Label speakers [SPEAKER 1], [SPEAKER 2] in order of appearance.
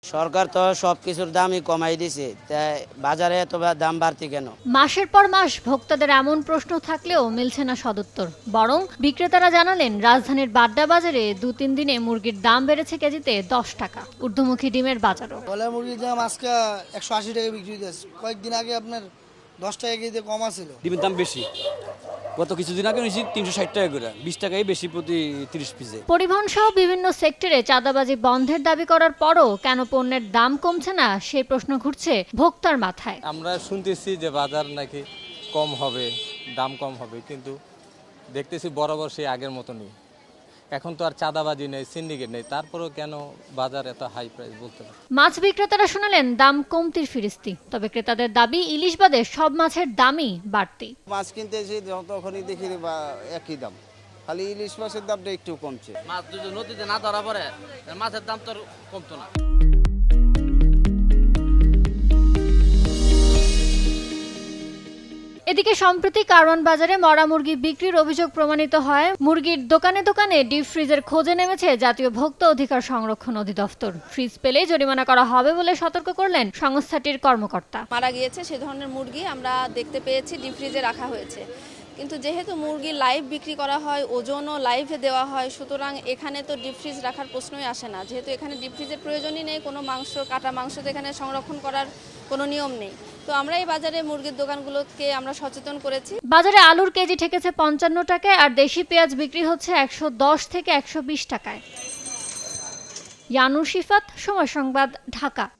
[SPEAKER 1] সরকার তো সবকিছুর দামই কমাই দিছে, তাই বাজারে এত দাম বাড়তি কেন?
[SPEAKER 2] মাসের পর মাস ভোক্তাদের এমন প্রশ্ন থাকলেও মিলছে না সদুত্তর। বরং বিক্রেতারা জানালেন, রাজধানীর বাড্ডা বাজারে 2-3 দিনে মুরগির দাম বেড়েছে কেজিতে 10 টাকা। ঊর্ধ্বমুখী ডিমের বাজারও।
[SPEAKER 3] ব্রয়লার মুরগির দাম আজকে 180 টাকা বিক্রি হইতেছে। কয়েকদিন আগে আপনার 10 টাকা কেজিতে কমা ছিল।
[SPEAKER 4] ডিমের দাম বেশি, গত কিছুদিন আগে নিয়েছি 360 টাকা করে, 20 টাকাই বেশি প্রতি 30 পিসে।
[SPEAKER 2] পরিবহন সহ বিভিন্ন সেক্টরে চাঁদাবাজি বন্ধের দাবি করার পরও কেন পণ্যের দাম কমছে না, সেই প্রশ্ন ঘুরছে ভোক্তার মাথায়।
[SPEAKER 5] আমরা শুনতেছি যে বাজার নাকি কম হবে, দাম কম হবে, কিন্তু দেখতেছি বরাবর সেই আগের মতো নেই। এখন তো আর চাঁদাবাজি নেই, সিন্ডিকেট নেই, তারপরেও কেন বাজার এত হাই প্রাইস বলতে পারে।
[SPEAKER 2] মাছ বিক্রেতারা শোনালেন দাম কমতির ফিরিস্তি, তবে ক্রেতাদের দাবি ইলিশ বাদে সব মাছের দামই বাড়তি।
[SPEAKER 1] মাছ কিনতে এসে তখনই দেখি বা একই দাম, খালি ইলিশ মাছের দামটা একটু কমছে।
[SPEAKER 6] মাছ যদি নদীতে না ধরা পড়ে মাছের দাম তো কমতো না।
[SPEAKER 2] এদিকে সম্প্রতি কারওয়ান বাজারে মরা মুরগি বিক্রির অভিযোগ প্রমাণিত হয়। মুরগির দোকানে দোকানে ডিপ ফ্রিজের খোঁজে নেমেছে জাতীয় ভোক্তা অধিকার সংরক্ষণ অধিদপ্তর। ফ্রিজ পেলেই জরিমানা করা হবে বলে সতর্ক করলেন সংস্থাটির কর্মকর্তা।
[SPEAKER 7] মারা গিয়েছে সে ধরনের মুরগি আমরা দেখতে পেয়েছি ডিপ ফ্রিজে রাখা হয়েছে, কিন্তু যেহেতু মুরগি লাইভ বিক্রি করা হয়, ওজনও লাইভে দেওয়া হয়, সুতরাং এখানে তো ডিপ ফ্রিজ রাখার প্রশ্নই আসে না। যেহেতু এখানে ডিপ ফ্রিজের প্রয়োজনই নেই, কোনো মাংস কাটা মাংস তো এখানে সংরক্ষণ করার কোনো নিয়ম নেই। তো আমরা এই বাজারে মুরগির দোকানগুলোকে আমরা সচেতন করেছি।
[SPEAKER 2] বাজারে আলুর কেজি ঠেকেছে 55 টাকায়, আর দেশি পেঁয়াজ বিক্রি হচ্ছে 110 থেকে 120 টাকায়। ইয়ানুর শিফাত, সময় সংবাদ, ঢাকা।